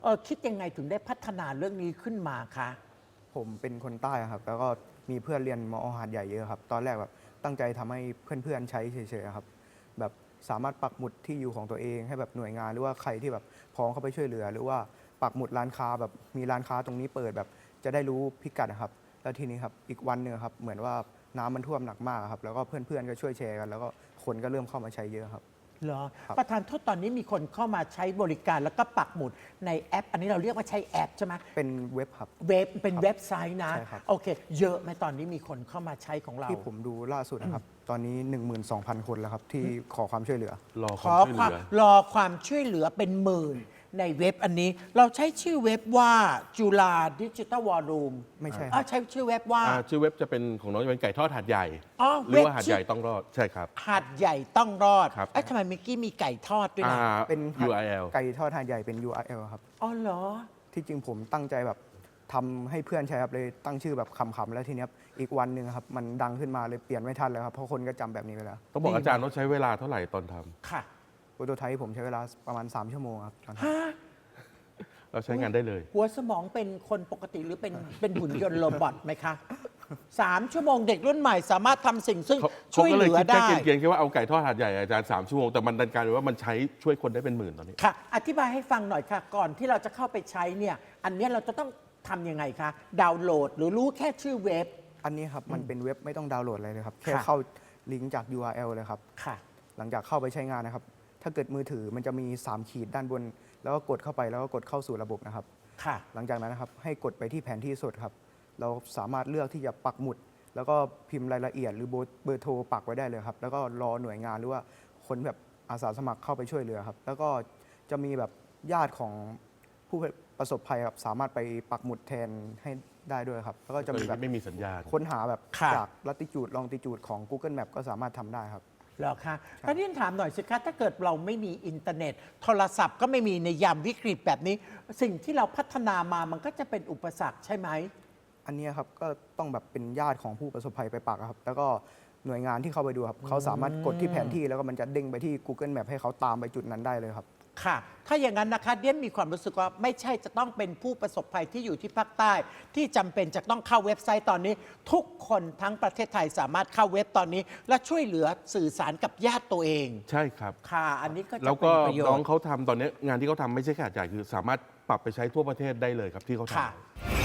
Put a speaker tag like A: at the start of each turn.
A: คิดยังไงถึงได้พัฒนาเรื่องนี้ขึ้นมาคะ
B: ผมเป็นคนใต้ครับแล้วก็มีเพื่อนเรียนมอหาดใหญ่เยอะครับตอนแรกแบบตั้งใจทำให้เพื่อนๆใช้เฉยๆครับแบบสามารถปักหมุดที่อยู่ของตัวเองให้แบบหน่วยงานหรือว่าใครที่แบบพร้อมเข้าไปช่วยเหลือหรือว่าปักหมุดร้านค้าแบบมีร้านค้าตรงนี้เปิดแบบจะได้รู้พิกัดนะครับแล้วทีนี้ครับอีกวันหนึ่งครับเหมือนว่าน้ำมันท่วมหนักมากครับแล้วก็เพื่อนๆก็ช่วยแชร์กันแล้วก็คนก็เริ่มเข้ามาใช้เยอะครับ
A: เหรอ
B: ครับ
A: ประธานโทษตอนนี้มีคนเข้ามาใช้บริการแล้วก็ปักหมุดในแอป อันนี้เราเรียกว่าใช้แอปใช่ไหม
B: เป็นเว็บครับ
A: เว็บเป็นเว็บไซต์นะ
B: ใช่ครับ
A: โอเค เยอะไหมตอนนี้มีคนเข้ามาใช้ของเรา
B: ที่ผมดูล่าสุดนะครับตอนนี้ 12,000 คนแล้วครับที่ขอความช่วยเหลือ
C: รอค
A: ข
C: วา
A: อ
C: มช่วย
A: ค
C: เห
A: วาม
C: ลือ
A: รอความช่วยเหลือเป็นหมื่นในเว็บอันนี้ เราใช้ชื่อเว็บว่าจุฬาดิจิทัลวอลลุ่ม
B: ไม่ใช่ครับ
A: ใช้ชื่อเว็บว่า
C: ชื่อเว็บจะเป็นของน้องจะเป็นไก่ทอดหาดใหญ่
A: อ๋อ
C: หรือว่า
A: เว็บ
C: หาด
A: ชื่อ
C: ใหญ่ต้องรอดใช่ครับ
A: หาดใหญ่ต้องรอด
C: ครับ
A: เอ๊ะทำไมเมื่อกี้มีไก่ทอดด้วยนะ
B: เป็น
C: URL
B: ไก่ทอดหาดใหญ่เป็น URL ครับ
A: อ๋อเหรอ
B: ที่จริงผมตั้งใจแบบทำให้เพื่อนใช้ครับเลยตั้งชื่อแบบขำๆแล้วทีเนี้ยอีกวันหนึ่งครับมันดังขึ้นมาเลยเปลี่ยนไม่ทันแล้วครับเพราะคนก็จำแบบนี้ไปแล้ว
C: ต้องบอกอาจารย์ว่าใช้เวลาเท่าไหร่ตอนทำ
A: ค่ะ
B: โปรโตไทป์ผมใช้เวลาประมาณ 3 ชั่วโมงครับตอนทำ
A: ฮะ
C: เราใช้งานได้เลย
A: หัวสมองเป็นคนปกติหรือเป็นหุ่นยนต์โรบอทไหมคะ3 ชั่วโมงเด็กรุ่นใหม่สามารถทำสิ่งซึ่ง
C: เขา
A: ช่วย
C: ก็
A: เห
C: เลย
A: ลือ
C: คิด
A: ได้
C: แค่เกรียนๆแค่ว่าเอาไก่ทอดหาดใหญ่อาจารย์3 ชั่วโมงแต่มันดันกลายเป็นว่ามันใช้ช่วยคนได้เป็นหมื่นตอนนี้
A: ค่ะ อธิบายให้ฟังหน่อยค่ะ ก่อนที่เราจะเข้าไปใช้เนี่ย อันเนี้ยเราจะต้องทำยังไงคะ ดาวน์โหลดหรือรู้แค่ชื่อเว็บ
B: อันนี้ครับมันเป็นเว็บไม่ต้องดาวน์โหลดอะไรเลยครับแค่
A: ค่ะ
B: เข้าลิงก์จาก URL เลยครับ
A: ค่ะ
B: หลังจากเข้าไปใช้งานนะครับ ถ้าเกิดมือถือมันจะมี 3 ขีดด้านบน แล้วก็กดเข้าไปแล้วก็กดเข้าสู่ระบบนะครับ
A: ค่ะ
B: หลังจากนั้นนะครับให้กดไปที่แผนที่สดครับ เราสามารถเลือกที่จะปักหมุด แล้วก็พิมพ์รายละเอียดหรือเบอร์โทรปักไว้ได้เลยครับ แล้วก็รอหน่วยงานหรือว่าคนแบบอาสาสมัครเข้าไปช่วยเหลือครับ แล้วก็จะมีแบบญาติของผู้ประสบภัยครับสามารถไปปักหมุดแทนให้ได้ด้วยครับ แล้วก็จะมีแบบ
C: ไม่มีสัญญาณ
B: ค้นหาแบบ
A: ค่ะ
B: จากลัติจูดลองติจูดของ Google Map ก็สามารถทำได้ครับ
A: เหรอคะถ้าที่ถามหน่อยสิคะถ้าเกิดเราไม่มีอินเทอร์เน็ต โทรศัพท์ก็ไม่มีในยามวิกฤตแบบนี้ สิ่งที่เราพัฒนามามันก็จะเป็นอุปสรรคใช่ไหม
B: อันนี้ครับก็ต้องแบบเป็นญาติของผู้ประสบภัยไปปักครับ แล้วก็หน่วยงานที่เข้าไปดูครับเขาสามารถกดที่แผนที่แล้วก็มันจะเด้งไปที่ Google Map ให้เขาตามไปจุดนั้นได้เลยครับ
A: ค่ะ ถ้าอย่างนั้นนะคะเดียนมีความรู้สึกว่าไม่ใช่จะต้องเป็นผู้ประสบภัยที่อยู่ที่ภาคใต้ ที่จำเป็นจะต้องเข้าเว็บไซต์ตอนนี้ ทุกคนทั้งประเทศไทยสามารถเข้าเว็บตอนนี้ และช่วยเหลือสื่อสารกับญาติตัวเอง
C: ใช่ครับ
A: ค่ะ อันนี้ก็จะ
C: แล้ว
A: เป็
C: ก็
A: นประโย
C: น้อง
A: ชน์
C: เขาทำตอนนี้งานที่เขาทำไม่ใช่แค่หาดใหญ่คือสามารถปรับไปใช้ทั่วประเทศได้เลยครับที่เขาทำ
A: ค่ะ